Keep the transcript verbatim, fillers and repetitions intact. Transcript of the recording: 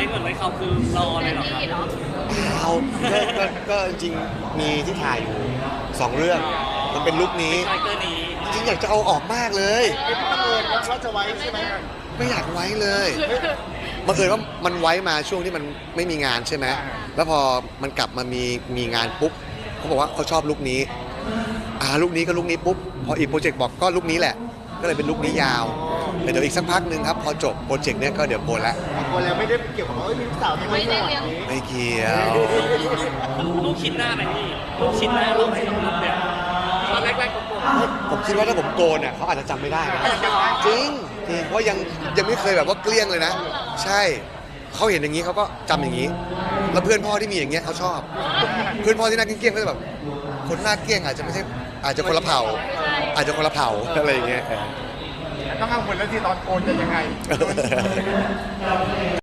เหมือนไว้เขาคือรอเลยเหรอครับเอาก็ก็ก็จริงๆมีที่ถ่ายอยู่สองเรื่องมันเป็นลุคนี้คาแรคเตอร์นี้จริงๆอยากจะเอาออกมากเลยไม่บังเอิญว่าจะไว้ใช่ไหมไม่อยากไว้เลยบังเอิญว่ามันไว้มาช่วงที่มันไม่มีงานใช่ไหมแล้วพอมันกลับมามีมีงานปุ๊บเขาบอกว่าเขาชอบลุคนี้อ่าลุคนี้ก็ลุคนี้ปุ๊บพออีกโปรเจกต์บอกก็ลุคนี้แหละ ก็เลยเป็นลุคนี้ยาวแต่เดี๋ยวอีกสักพักหนึ่งครับพอจบโปรเจกต์เนี้ยก็เดี๋ยวโกนละบางคนแล้วไม่ได้เกี่ยวกับว่าเอ้ยมีลูกสาวที่ไม่ได้เลี้ยงไม่เกี่ยวลูกชิ้นหน้าไหมพี่ลูกชิ้นหน้าเราไม่ต้องรูปเนี่ยตอนแรกๆผมบอกผมคิดว่าถ้าผมโกนเนี่ยเขาอาจจะจำไม่ได้นะจริงจริงเพราะยังยังไม่เคยแบบว่าเกลี้ยงเลยนะ ใช่เขาเห็นอย่างนี้เขาก็จำอย่างนี้ แล้วเพื่อนพ่อที่มีอย่างเงี้ยเขาชอบ เพื่อนพ่อที่หน้าเกลี้ยงๆก็จะแบบคนหน้าเกลี้ยงอาจจะไม่ใช่อาจจะคนละเผ่า อาจจะคนละเผ่าอะไรอย่างเงี้ยต้องกังวลแล้วที่ตอนโกนจะยังไง